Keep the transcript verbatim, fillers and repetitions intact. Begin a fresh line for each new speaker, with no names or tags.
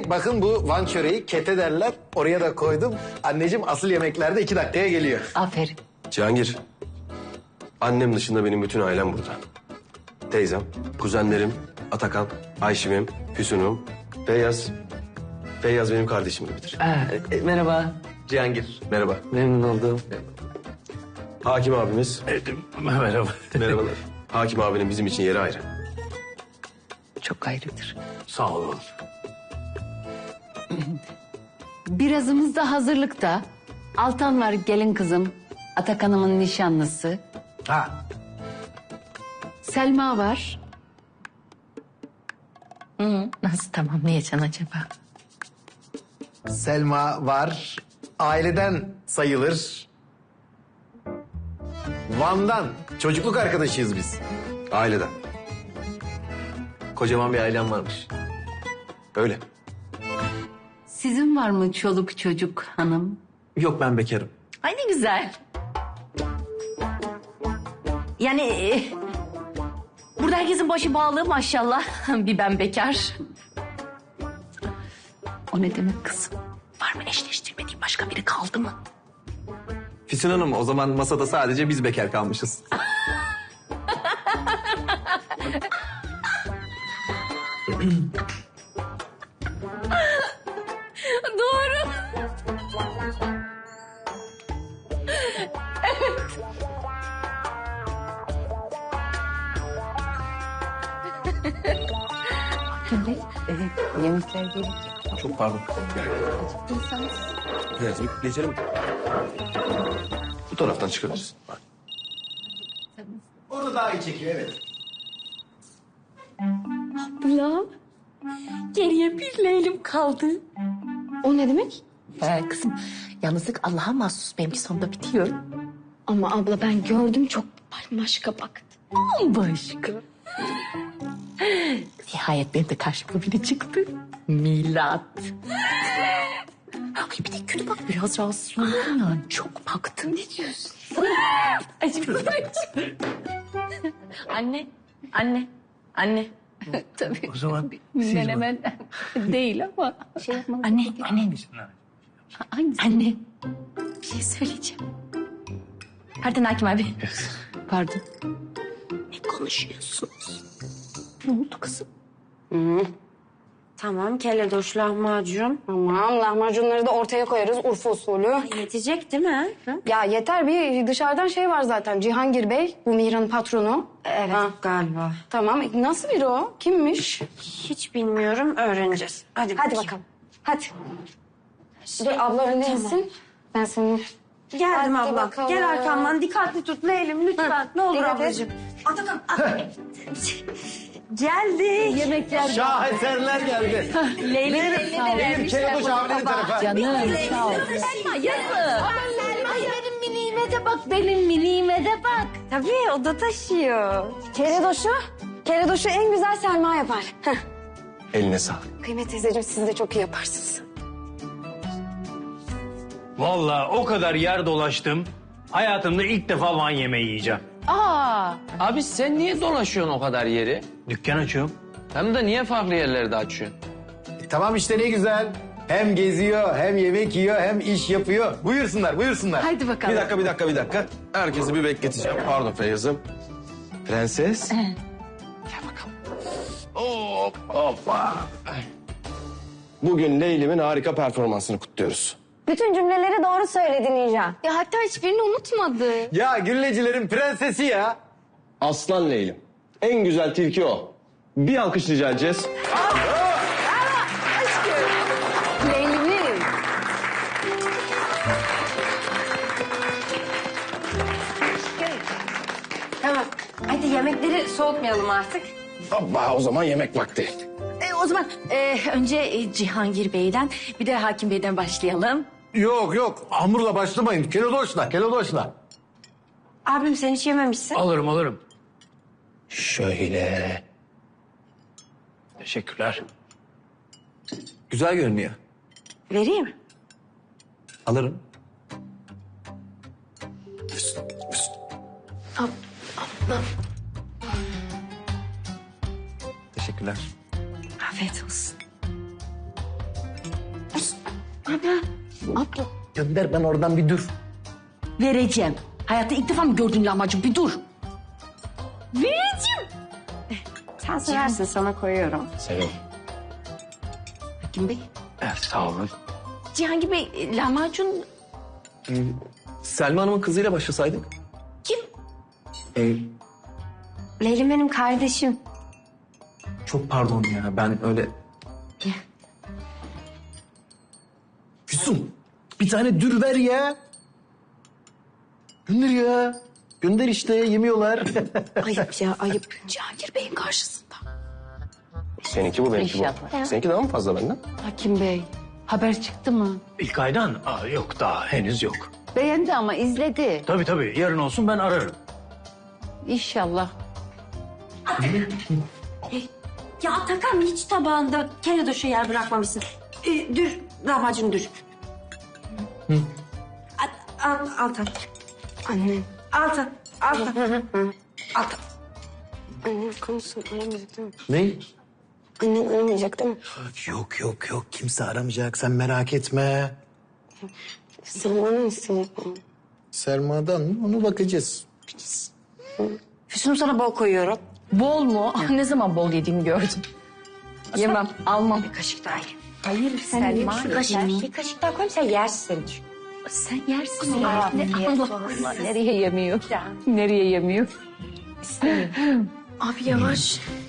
bakın bu Van çöreği kete derler. Oraya da koydum. Anneciğim asıl yemeklerde iki dakikaya geliyor.
Aferin.
Cihangir, annem dışında benim bütün ailem burada. Teyzem, kuzenlerim, Atakan, Ayşim'im, Füsun'um, Feyyaz. Feyyaz benim kardeşim gibidir.
Ee, e, merhaba Cihangir.
Merhaba.
Memnun oldum.
Hakim abimiz.
Merhaba.
Merhabalar. Hakim abinin bizim için yeri ayrı.
Çok ayrıdır.
Sağ olun.
Birazımız da hazırlıkta. Altan var gelin kızım. Atakan'ımın nişanlısı.
Ha.
Selma var.
Hı, nasıl tamamlayacaksın acaba?
Selma var. Aileden sayılır. Van'dan. Çocukluk arkadaşıyız biz.
Aileden.
Kocaman bir ailem varmış.
Öyle.
Sizin var mı çoluk çocuk hanım?
Yok, ben bekarım.
Ay ne güzel. Yani e, burada herkesin başı bağlı maşallah. Bir ben bekar.
O ne demek kızım?
Var mı eşleştirmediğin başka biri kaldı mı?
Füsun Hanım, o zaman masada sadece biz bekar kalmışız.
Doğru.
Evet, yemekler gelir.
Çok pardon.
Evet, geçelim. Bu taraftan çıkarız. Bak.
Orada daha iyi çekiyor evet.
Abla. Geriye bir Leylim kaldı.
O ne demek?
Ee, kızım yalnızlık Allah'a mahsus, benimki sonunda bitiyor.
Ama abla ben gördüm çok başka baktı.
Başka. Nihayet benim de karşıma biri çıktı. Milat. Ay bir de kötü bak, biraz rahatsız oldum ya. Çok baktım. Ne diyorsun? Ay şimdi Anne, anne, anne.
Tabii.
O zaman
Menemen değil ama şey yapmalı.
Anne, anne.
Hangisi?
Anne. Bir şey söyleyeceğim. Pardon Hakim abi.
Pardon.
Ne konuşuyorsunuz? Ne oldu kızım?
Tamam, kelledoş lahmacun.
Tamam lahmacunları da ortaya koyarız Urfa usulü.
Yetecek değil mi? Hı?
Ya yeter bir dışarıdan şey var zaten Cihangir Bey bu Mihran'ın patronu.
Evet,
Ha.
galiba.
Tamam nasıl biri o? Kimmiş?
Hiç bilmiyorum, öğreneceğiz. Hadi,
Hadi
bakayım.
bakalım. Hadi. Dur abla önde insin. Ben senin...
Geldim
Hadi
abla.
bakalım.
Gel arkamdan, dikkatli tut Leylim lütfen. Ne olur
dikkat et.
ablacığım. Atakan, at. Geldi.
Yemekler
Şaheserler geldi.
Leylim
Benim Kelebek abilerin tarafı.
canım sağ ol.
Selma yazın.
Ay benim miniğime de bak, benim miniğime de bak. Tabii, o da taşıyor.
Keredoşu. Keredoşu en güzel Selma yapar. Heh.
Eline sağlık.
Kıymet teyzeciğim siz de çok iyi yaparsınız.
Vallahi o kadar yer dolaştım. Hayatımda ilk defa Van yemeği yiyeceğim.
Aa,
Abi sen niye dolaşıyorsun o kadar yeri?
Dükkan açıyorum.
Hem de niye farklı yerlerde açıyorsun?
E, tamam işte ne güzel. Hem geziyor, hem yemek yiyor, hem iş yapıyor. Buyursunlar, buyursunlar.
haydi bakalım.
Bir dakika, bir dakika, bir dakika. Herkesi bir bekleteceğim. Pardon Feyyaz'ım. Prenses. Gel bakalım. Hop, hoppa. Bugün Leylim'in harika performansını kutluyoruz.
Bütün cümleleri doğru söyledin Nijan. Ya hatta hiçbirini unutmadı.
Ya güllecilerin prensesi ya.
Aslan Leylim. En güzel tilki o. Bir alkış rica edeceğiz.
Leylim.
Tamam. Hadi yemekleri soğutmayalım artık.
Hoppa, o zaman yemek vakti.
E, o zaman e, önce e, Cihangir Bey'den bir de Hakim Bey'den başlayalım.
Yok yok hamurla başlamayın. Kelodoşla, kelodoşla.
Abim sen hiç yememişsin.
Alırım alırım.
Şöyle.
Teşekkürler.
Güzel görünüyor.
Vereyim.
Alırım. Teşekkürler.
Afiyet olsun.
Gönder ben oradan bir dur.
Vereceğim. Hayatta ilk defa mı gördün lahmacun? Bir dur. Vereceğim.
Sen seversin sana koyuyorum.
Severim.
Hakim Bey.
Evet, sağ olun.
Cihangir Bey e, lahmacun
Selma Hanım'ın kızıyla başlasaydık.
kim?
Ee,
Leylim benim kardeşim.
çok pardon ya ben öyle...
Füsun bir tane dür ver ya. Gönder ya. Gönder işte yemiyorlar.
Ayıp ya ayıp.
Cihangir Bey'in karşısında.
Seninki bu, benimki
İnşallah.
bu. Seninki daha mı fazla benden?
Hakim Bey, haber çıktı mı?
İlk aydan Aa, yok daha henüz yok.
Beğendi ama izledi.
Tabii tabii yarın olsun ben ararım.
İnşallah.
Ya Atakan hiç tabağında kere döşe yer bırakmamışsın. Ee, dür, lahmacun dür. Al, al, al tabii.
Annem.
Al tabii, al tabii. Al tabii.
Annem konuşsun aramayacak değil mi?
Ne?
Annen aramayacak değil mi?
Yok yok yok kimse aramayacak sen merak etme.
Sen bana isteyecek mi?
Selma'dan mı onu bakacağız.
Füsun'u sana bol koyuyorum.
Bol mu? Ne zaman bol yediğimi gördüm. Yemem, almam.
Bir kaşık daha ye.
Hayır,
Sen ye bir kaşık. Bir kaşık daha koyayım sen yersin.
Sen yersin ya. Ne, Allah Allah. Nereye yemiyor? Nereye yemiyor?
Abi yavaş.